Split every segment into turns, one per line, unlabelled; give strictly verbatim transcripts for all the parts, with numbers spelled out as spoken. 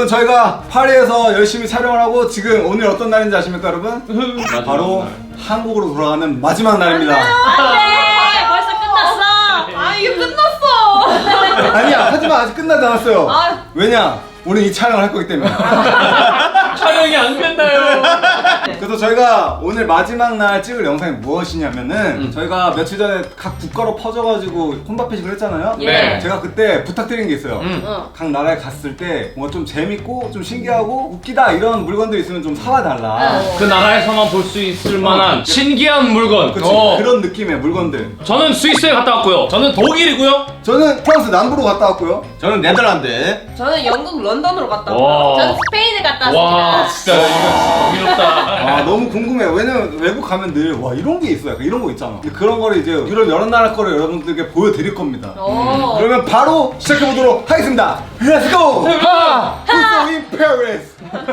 여러분 저희가 파리에서 열심히 촬영을 하고 지금 오늘 어떤 날인지 아십니까 여러분? 바로 한국으로 돌아가는 마지막 날입니다.
안돼 벌써 끝났어.
아 이거 끝났어.
아니야 하지만 아직 끝나지 않았어요.
아.
왜냐? 우리 이 촬영을 할 거기 때문에.
촬영이 안 끝나요.
그래서 저희가 오늘 마지막 날 찍을 영상이 무엇이냐면은
음.
저희가 며칠 전에 각 국가로 퍼져가지고 혼밥회식을 했잖아요.
네.
제가 그때 부탁드린 게 있어요.
음.
어.
각 나라에 갔을 때 뭔가 좀 재밌고 좀 신기하고 웃기다 이런 물건들이 있으면 좀 사와달라.
그 나라에서만 볼 수 있을 만한 신기한 물건.
그치?
어.
그런 느낌의 물건들.
저는 스위스에 갔다 왔고요. 저는 독일이고요.
저는 프랑스 남부로 갔다 왔고요.
저는 네덜란드.
저는 영국 런던으로 갔다
와.
왔어요.
저는 스페인에 갔다
와,
왔습니다.
진짜 이거 정의롭다.
아 너무 궁금해요. 왜냐면 외국 가면 늘 와 이런 게 있어. 약간 이런 거 있잖아. 근데 그런 거를 이제 유럽 여러 나라 거를 여러분들께 보여드릴 겁니다.
오.
그러면 바로 시작해보도록 하겠습니다. Let's go!
대박!
Who's in Paris?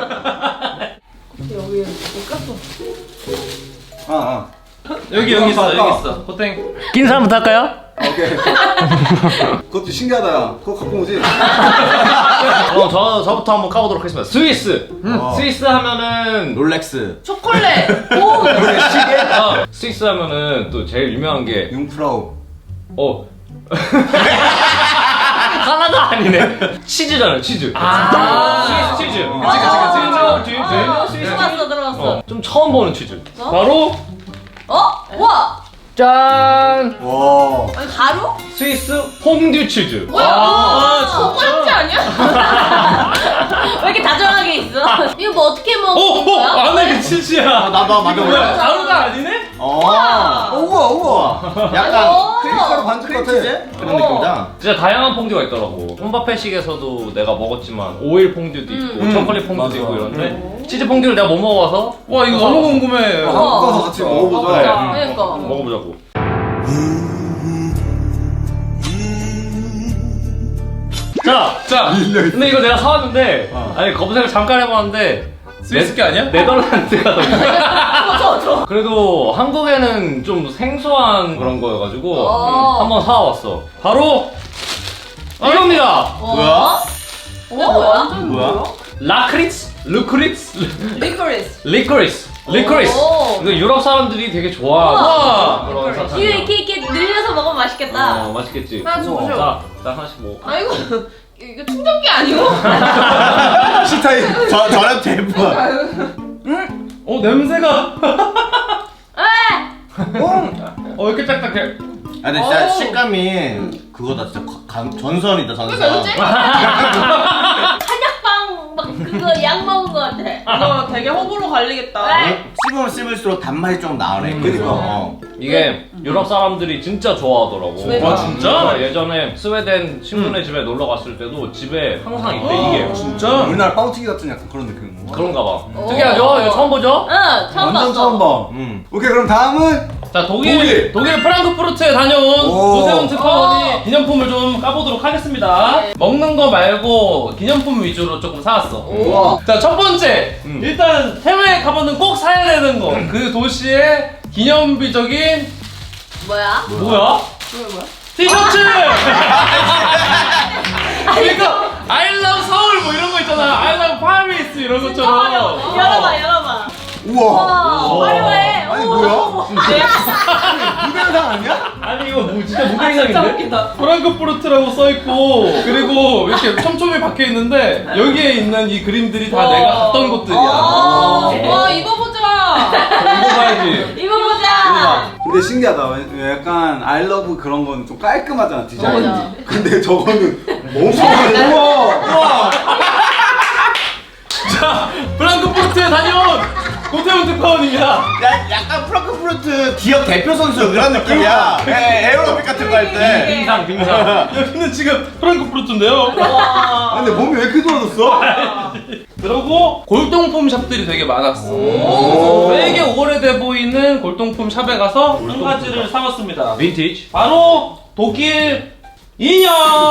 여기 못 갔어.
아, 아.
여기 여기 있어 여기 있어. 호땡. 낀 사람부터 할까요?
오케이. 그것도 신기하다, 야. 그거 갖고 오지?
어, 저 저부터 한번 까보도록 하겠습니다. 스위스.
음.
스위스 하면은
롤렉스.
초콜릿.
오.
그게 시계?
어, 스위스 하면은 또 제일 유명한 게
융프라우.
어. 하나가 아니네. 치즈잖아요, 치즈.
아.
스위스 치즈.
그치, 그치,
치즈.
아,
치즈.
들어봤어 들어봤어.
어, 좀 처음 보는 치즈.
어?
바로
어? 와.
짠!
와.
아니 가루?
스위스 퐁듀 치즈.
뭐야?
아,
초콜릿 아니야?
왜 이렇게 다정하게 있어? 이거 뭐 어떻게
어,
먹는
어,
거야?
안에 그 치즈야.
나도 한번
이거 뭐야?
만져볼래?
가루가 아니네?
어.
우와, 우와.
약간
오.
크림가루 반죽 같아.
크림치즈? 그런
어.
느낌이다.
진짜 다양한 퐁듀가 있더라고. 혼밥회식에서도 내가 먹었지만 오일 퐁듀도 있고
음.
초콜릿 퐁듀도
맞아.
있고 이런데 치즈 퐁듀를 내가 못 먹어봐서 와 이거 너무 궁금해.
한국 가서 같이 먹어보자.
그래.
어, 그러니까.
먹어보자고. 자, 자.
밀려있어.
근데 이거 내가 사왔는데
어.
아니 검색을 잠깐 해봤는데
스위스 게 아니야?
네덜란드가 더 유명해.
저, 저.
그래도 한국에는 좀 생소한 그런 거여가지고
어.
한번 사와봤어. 바로 이겁니다.
뭐야? 이거 뭐야?
뭐야?
라크리츠? 루크리츠?
리코리스.
리코리스. 리코리스.
오.
이거 유럽 사람들이 되게 좋아하는
우와.
그런
이거
사탕이야.
이렇게 이렇게 늘려서 먹으면 맛있겠다.
어, 맛있겠지.
하나 주세요.
자, 자 하나씩 먹어.
아 이거 이거 충전기 아니고?
시타임.
저 저랑 대부.
어 냄새가.
에!
어 이렇게 딱딱해.
아 근데 진짜
어우.
식감이 그거다 진짜 가- 전선이다 전선.
그러니까 이거지?
한약방 막 그거 약 먹은 거 같아.
이거 되게 호불호 갈리겠다.
에?
씹으면 씹을수록 단맛이 좀 나네.
음.
그니까. 어.
이게 유럽 사람들이 진짜 좋아하더라고.
스웨덴.
아 진짜? 예전에 스웨덴 친구네 집에 놀러 갔을 때도 집에 항상 있대 이게.
진짜? 우리나라 빵튀기 같은 약간 그런 느낌인 거.
그런가 봐.
오.
특이하죠? 이거 처음 보죠?
응, 처음
완전
봤어.
처음 봐.
음.
오케이 그럼 다음은
자 독일
독일.
독일 프랑크푸르트에 다녀온
오.
오세훈 특파원이
오.
기념품을 좀 까보도록 하겠습니다.
네.
먹는 거 말고 기념품 위주로 조금 사왔어.
우와.
자 첫 번째
음.
일단 해외에 가면은 꼭 사야 되는 거 그 도시의 기념비적인
뭐야?
뭐야?
뭐야 뭐야?
티셔츠! 그러니까 I love 서울 뭐 이런 거 있잖아. I love Paris 이런 것처럼.
열어봐, 열어봐.
우와.
와, 화려해.
아니,
오.
뭐야? 무대 영상 아니야?
아니 이거 뭐 진짜 무대
진짜
이상인데?
웃기다.
프랑크푸르트라고 써있고 그리고 이렇게 촘촘히 박혀있는데 여기에 있는 이 그림들이 다 내가 갔던 곳들이야.
어.
와 이거 보자.
이거 봐야지.
이거 보자.
근데 신기하다. 왜- 약간 I love 그런 건 좀 깔끔하잖아 디자인.
맞아.
근데 저거는 엄청 우와. 우와.
자 프랑크푸르트에 다녀온 고태훈 특파원입니다.
야, 약간 프랑크푸르트 기업 대표 선수 그런 느낌이야. 에, 에어로빅 같은 거 할 때.
빙상 빙상. 여기는 지금 프랑크푸르트인데요.
와.
근데 몸이 왜 이렇게 좋아졌어?
그리고 골동품 샵들이 되게 많았어.
오.
되게 오래돼 보이는 골동품 샵에 가서 한 가지를 사봤습니다. 빈티지. 바로 독일 인형.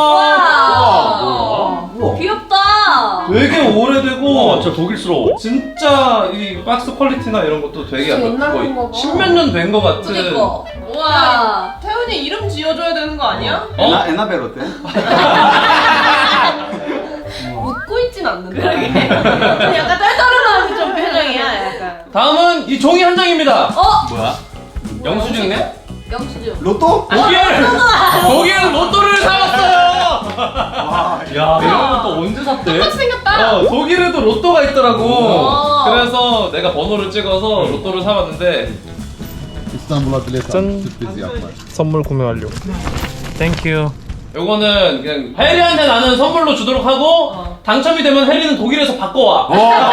와.
우와.
귀엽다.
되게 오래되고
진짜 독일스러워.
진짜 이 박스 퀄리티나 이런 것도 되게
진짜
약간
옛날
거의
건가 봐.
십몇 년 된 것 같은.
그니까.
우와.
와.
태훈이 이름 지어줘야 되는 거 아니야?
어?
에나 에나벨 어때?
웃고 있지
쉽진 않는데.
약간 떨떠름한 좀 표정이야 약간.
다음은 이 종이 한 장입니다.
어?
뭐야?
영수증이네?
영수증.
로또?
독일! 독일 로또를 사왔어요! 야, 이런 것도 언제 샀대?
똑같이 생겼다.
어, 독일에도 로또가 있더라고.
오.
그래서 내가 번호를 찍어서 로또를 사봤는데
İstanbul'a bilet
Can-
aldım, sürpriz yapmak.
선물 구매 완료. 땡큐. 요거는 그냥 혜리한테 나는 선물로 주도록 하고
어.
당첨이 되면 혜리는 독일에서 바꿔와.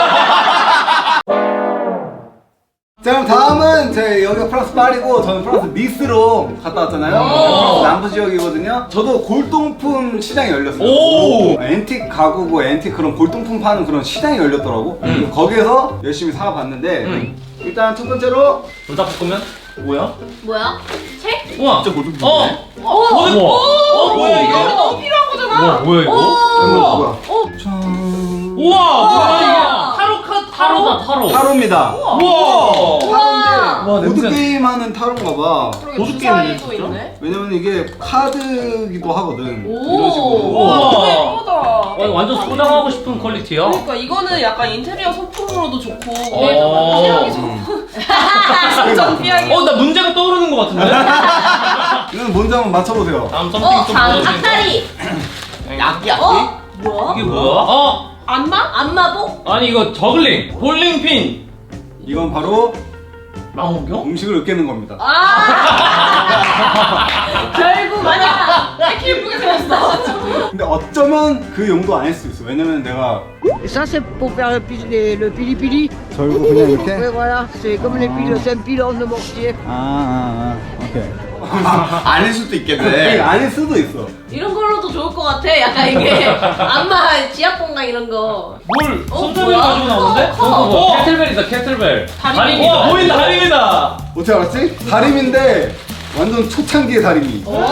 자 그럼 다음은 제 여기가 프랑스 파리고 저는 프랑스 니스로 갔다 왔잖아요. 프랑스 남부 지역이거든요. 저도 골동품 시장이 열렸어요.
오!
앤틱 가구고 앤틱 그런 골동품 파는 그런 시장이 열렸더라고.
음.
거기에서 열심히 사봤는데
음.
일단 첫 번째로
불닭볶음면? 뭐야?
뭐야? 책?
우와.
진짜 고등부.
어.
어?
뭐야? 어, 뭐야 이게?
이거 너무 필요한 거잖아.
우와, 뭐야 이거?
이거 뭐야?
우와, 뭐야 이게? 타로 카드 타로다 타로.
타로입니다.
우와.
타로인데
와, 냄새.
보드 게임 하는 타로인가 봐.
그러게
보드
주사위도
게임이네,
있네.
왜냐면 이게 카드기도 하거든.
오.
이런 식으로.
와,
우와.
너무 예쁘다.
와, 완전 소장하고 싶은 퀄리티야.
그러니까 이거는 약간 인테리어 소품으로도 좋고
어.
피하기 소품. 전 피하기.
어, 나 문제가 떠오르는 것 같은데?
이건 뭔지 한번 맞춰보세요.
다음 썸띵
어?
좀
장,
보여주세요.
닭다리.
약이 약이?
어? 뭐야?
이게 뭐야? 어?
안마?
안마복?
아니 이거 저글링, 볼링핀,
이건 바로
망원경?
음식을 으깨는 겁니다.
아. 결국 맞아.
이렇게 예쁘게 생겼어.
근데 어쩌면 그 용도 아닐 수 있어. 왜냐면 내가
Et ça, c'est pour faire le, pi- les- le pili-pili.
절고 그냥 이렇게.
Oui, voilà, c'est comme les piles, c'est un pilon de mortier.
아, 아, 아, 오케이.
아닐 수도
네.
있겠네.
아닐 수도 있어.
이런 걸로도 좋을 것 같아. 약간 이게 안마 지압 공간 이런 거.
뭘
어,
손잡이를
뭐야?
가지고 나오는데?
커, 커.
어, 캐틀벨이다 캐틀벨.
다림이다.
와, 보인다 다림이다.
어떻게 알았지? 다림인데 완전 초창기의 다림이.
오.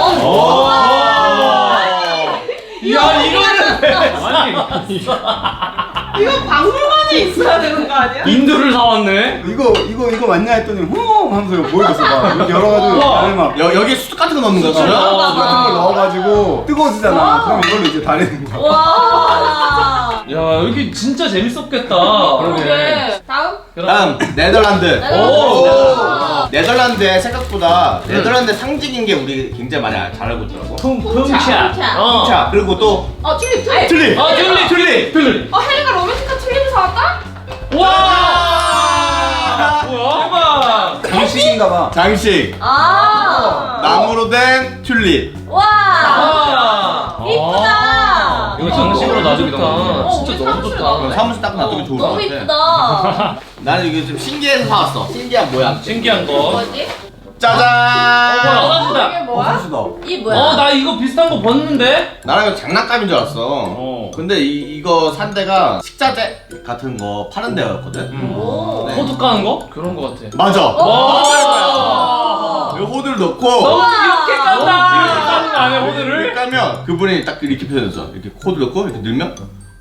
야 이거는 아니
이거 박물관에 있어야 되는 거 아니야?
인두를 사왔네.
이거 이거 이거 맞냐 했더니 후 하면서 이거 보여줬어. 막 이렇게 여러 가지
우와.
다림 막
여, 여기에 숯 같은 거 넣는 거지?
어,
같은 걸 넣어가지고 뜨거워지잖아. 그럼 이걸로 이제 다리는 거야.
와.
야 여기 진짜 재밌었겠다.
그러게. 다음?
다음 네덜란드.
오.
네덜란드에 생각보다 네덜란드 상징인 게 우리 굉장히 많이 잘 알고 있더라고.
쿵쿵차. 어.
자 그리고 또
어 튤립 튤립.
튤립.
아 튤립 튤립 튤립.
어 혜리가 로맨틱한 튤립을 사왔다?
와. 뭐야? 대박.
장식인가봐.
장식.
아.
나무로 된 튤립.
와.
아.
이쁘다.
이거 장식으로 놔두기도
어,
진짜
우리
너무
사무실
좋다.
나오네.
사무실 딱 놔두기 좋을 것
너무
같아.
이쁘다.
나는 이게 좀 신기해서 사왔어. 신기한 모양.
신기한 거.
뭐지?
짜잔.
화장실이다.
이게 뭐야?
수다.
이 뭐야?
어, 나 이거 비슷한 거 봤는데?
나랑 이거 장난감인 줄 알았어.
어.
근데 이, 이거 산 데가 식자재 같은 거 파는 데였거든.
오.
네.
코드 까는 거? 그런 거 같아.
맞아.
와.
이 호들 넣고
너무 이렇게 깐다.
이렇게
이렇게 까는 거 아니야,
이렇게
코드를?
까면 그분이 딱 이렇게 표현했어. 이렇게 코드 넣고 이렇게 넣으면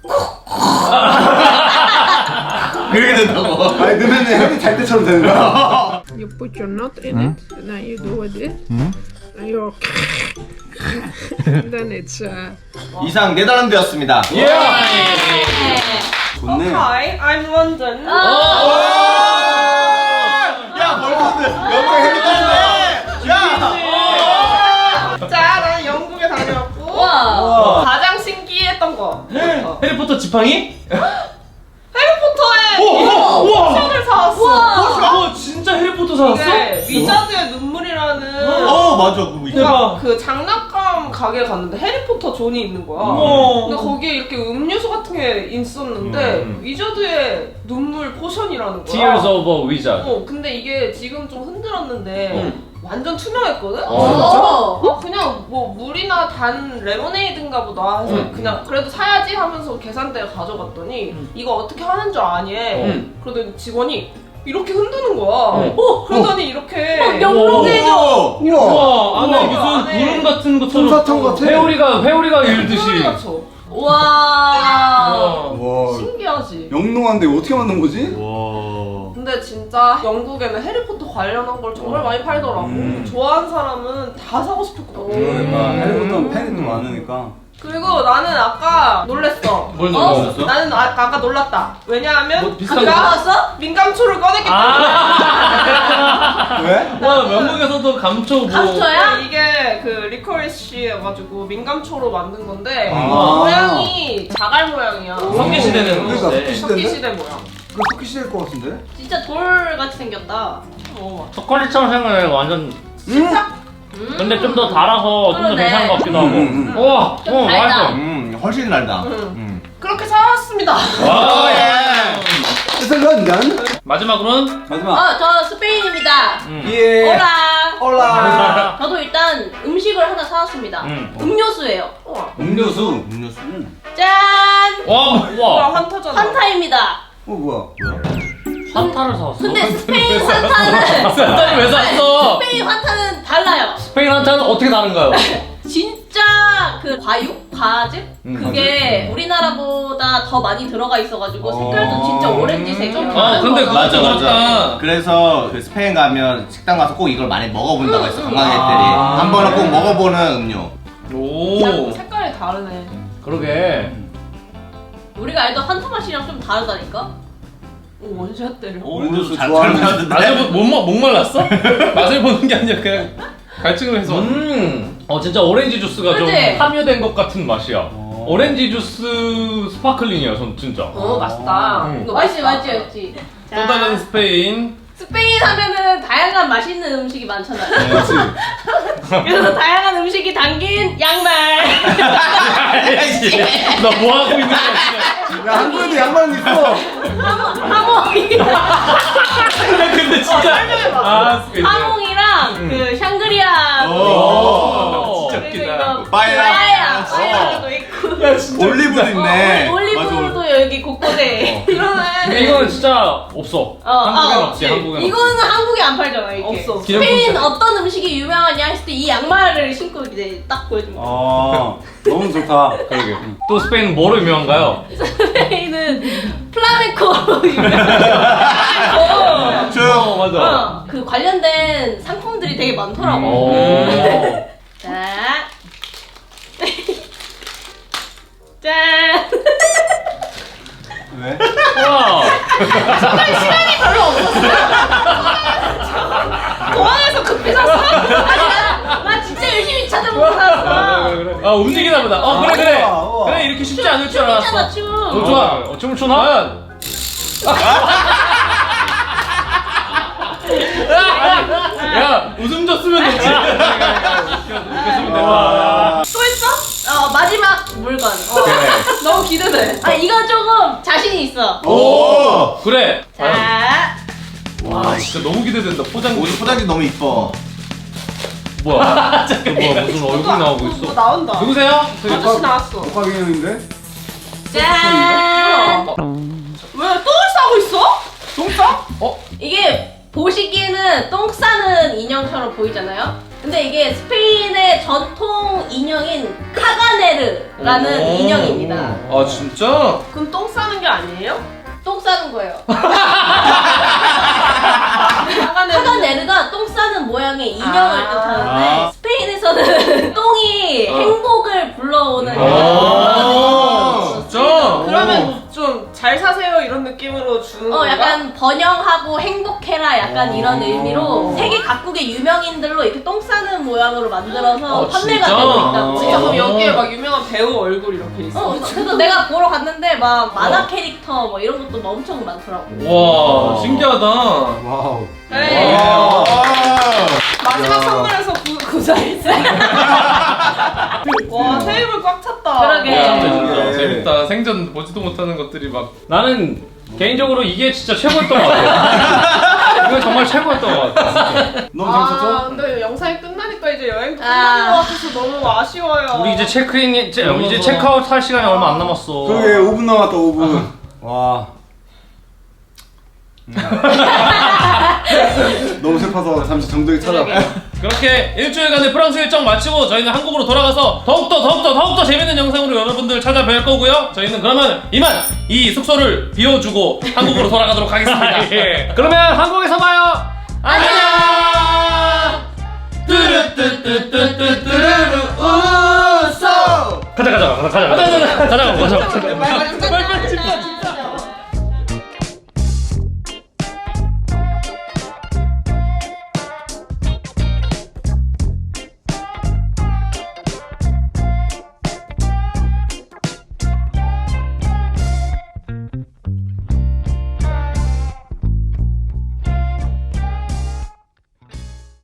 그렇게 된다고.
아니 넣으면 혜리 잘 때처럼 되는 거야.
You put your nut in it, and then you do it, and you then it's uh,
이상 네덜란드였습니다.
예.
좋네.
Hi, I'm London.
야 벌써들 영국 해리까지네. 야.
자, 난 영국에 다녀왔고
와.
가장 신기했던 거. 어.
해리포터 지팡이?
해리포터의
오, 오, 우와.
포션을 사왔어.
우와.
와, 진짜 해리포터 사왔어?
이게 위자드의 눈물이라는
어 맞아 그거 있어.
대박.
그 장난감 가게에 갔는데 해리포터 존이 있는 거야.
우와.
근데 거기에 이렇게 음료수 같은 게 있었는데
음.
위자드의 눈물 포션이라는 거야.
Tears of a Wizard.
어, 근데 이게 지금 좀 흔들었는데
음.
완전 투명했거든?
어.
어, 그냥 뭐 물이나 단 레모네이드인가 보다 해서
음.
그냥 그래도 사야지 하면서 계산대에 가져갔더니 이거 어떻게 하는 줄 아니?
음.
그러더니 직원이 이렇게 흔드는 거야.
음.
어, 그러더니 이렇게
막 영롱해져.
오.
우와, 안에
우와.
무슨
안에
구름 같은 것처럼
솜사탕 같아.
회오리가 회오리가 일듯이.
소리 맞춰.
와.
와
신기하지?
영롱한데 이거 어떻게 만든 거지?
와.
근데 진짜 영국에는 해리포터 관련한 걸 정말 많이 팔더라고.
음.
좋아하는 사람은 다 사고 싶을 것 같아.
그러니까 해리포터는 팬이 또 많으니까.
그리고 나는 아까 놀랬어.
뭘
어?
놀랐어?
나는 아, 아까 놀랐다. 왜냐하면
뭐 비슷한
아까
거?
나왔어?
민감초를 꺼냈기 때문에.
아.
왜?
와 영국에서도 감초 뭐.
감초야?
네, 이게 그 리코리시여가지고 민감초로 만든 건데
아.
모양이 자갈 모양이야.
석기 시대는
그러니까
건데.
석기
석기시대인데?
시대 모양.
그거 석기 시대일 것 같은데?
진짜 돌같이 생겼다.
어.
초콜릿처럼 생각해 완전.
진짜?
음.
근데 좀 더 달아서 좀 더
그러네.
괜찮은 것 같기도 하고.
음, 음.
우와,
좀
어
달다.
맛있어.
음 훨씬 달다.
응.
음.
그렇게 사왔습니다.
와.
그래서 런던
마지막으로는
마지막
어, 저 스페인입니다.
음.
예
올라.
올라
저도 일단 음식을 하나 사왔습니다.
음.
음료수예요.
우와.
음료수
음료수.
음.
짠!
와.
우와
우와,
환타잖아.
환타입니다.
어 뭐야
환타를 사왔어.
근데 스페인 환타는
산타니 왜 샀어?
스페인 환타는 달라요.
스페인 환타는 어떻게 다른가요?
진짜 그 과육? 과즙? 그게 우리나라보다 더 많이 들어가 있어가지고 색깔도 진짜 오렌지색이에요.
아 근데 그거
맞아 맞아.
그렇다.
그래서 그 스페인 가면 식당 가서 꼭 이걸 많이 먹어본다고 했어 관광객들이.
아.
한 번은 꼭 먹어보는 음료.
오.
색깔이 다르네.
그러게.
우리가 알던 환타 맛이랑 좀 다르다니까?
오 원샷 때려.
음료수
잘
좋아하는
잘하는데.
맛을 보, 못, 먹- 목말랐어? 맛을 보는 게 아니라 그냥 갈증을 해서.
음. 어 진짜 오렌지 주스가 좀
그치?
함유된 것 같은 맛이야. 오렌지 주스 스파클링이야, 전 진짜.
어 맛있다.
음.
이거
맛있지
맛있다.
맛있지 맛있지.
또 다른 스페인.
스페인 하면은 다양한 맛있는 음식이 많잖아요.
그렇지
그래서 다양한 음식이 담긴 양말.
너 뭐 하고 있는 거야 지금?
야 한국에도 양말 있어
하몽이랑
근데 진짜. 아 스페인.
하몽이랑 그 샹그리아.
오. 진짜
그리고
웃기다.
이거
빠에야.
빠에야.
어.
빠에야도 있고.
올리브도 있네.
어, 올리브도 여기 곳곳에.
근데
그러네.
이거는 진짜 없어.
어,
한국엔
아,
없지,
없지.
한국엔 없지.
이거는 한국에 안 팔잖아, 이게.
없어.
스페인 어떤 음식이 유명하냐 했을 때 이 양말을 신고 이제 딱 보여주면 돼.
아 너무 좋다
그러게. 또 스페인은 뭐로 유명한가요?
스페인은 플라멩코로 유명해요.
쭉.
어, 맞아.
어, 그 관련된 상품들이 되게 많더라고.
오.
자. 짠.
왜?
와.
공항에서 급히 샀어?
아니야. 나 진짜 열심히 찾아보고 샀어.
그래, 그래. 아 움직이나 보다. 어 그래 그래.
우와, 우와.
그래 이렇게 쉽지 않을 줄
있잖아,
알았어.
춤.
어, 좋아.
어, 춤을 추나?
과연. 야 웃음 줬으면 됐지. 웃겼으면 됐다.
또 있어? 어, 마지막 물건. 어.
너무 기대돼.
아, 이거 조금 자신이 있어.
오.
그래.
자.
와 진짜 너무 기대된다. 포장.
옷 포장지 너무 이뻐.
뭐야? 저 뭐야? 무슨 얼굴 나오고
뭐
있어?
나온다.
누구세요?
아저씨 나왔어.
녹화 기념인데?
짠.
왜 똥을 싸고 있어? 똥 싸?
이게 보시기에는 똥 싸는 인형처럼 보이잖아요? 근데 이게 스페인의 전통 인형인 카가네르라는
오.
인형입니다.
아 진짜?
그럼 똥 싸는 게 아니에요?
똥 싸는 거예요.
하가네.
카가네르가 똥 싸는 모양의 인형을
아.
뜻하는데
아.
스페인에서는 똥이 행복을 불러오는
아,
인형이라고
진짜?
그러면 좀 잘 사세요 이런 느낌으로 주는
어,
건가?
약간 번영하고 행복해라 약간 이런 의미로 세계 각국의 유명인들로 이렇게 똥 싸는 모양으로 만들어서
어,
판매가
진짜?
되고 있다고.
진짜 그럼
어,
여기에 막 유명한 배우 얼굴 이렇게 있어.
그래서 내가 보러 갔는데 막 만화 캐릭터 뭐 이런 것도 막 엄청 많더라고.
와 신기하다.
와우
네.
와.
마지막
야.
선물에서 구, 구사일세. 와 테이블 꽉 찼다.
그러게.
야, 진짜
네.
재밌다. 생전 보지도 못하는 것들이 막.
나는 개인적으로 이게 진짜 최고였던 것 같아. 이거 정말 최고였던 것 같아.
너무
아
재밌었죠?
근데 영상이 끝나니까 이제 여행도
아.
끝나는 것 같아서 너무 아쉬워요.
우리 이제 체크인 이제, 이제 체크아웃 할 시간이 얼마 안 남았어.
그러게 오 분 남았다 오 분 와 음. 너무 슬퍼서 잠시 정적이 찾아
그렇게 일주일간의 프랑스 일정 마치고 저희는 한국으로 돌아가서 더욱더 더욱더 더욱더 재밌는 영상으로 여러분들 찾아뵐 거고요. 저희는 그러면 이만 이 숙소를 비워주고 한국으로 돌아가도록 하겠습니다.
예. 그러면 한국에서 봐요.
안녕. 뚜루뚜뚜뚜뚜뚜루루 웃어.
가자.
가자 가자 가자 가자 가자 가자 가자 가자 가자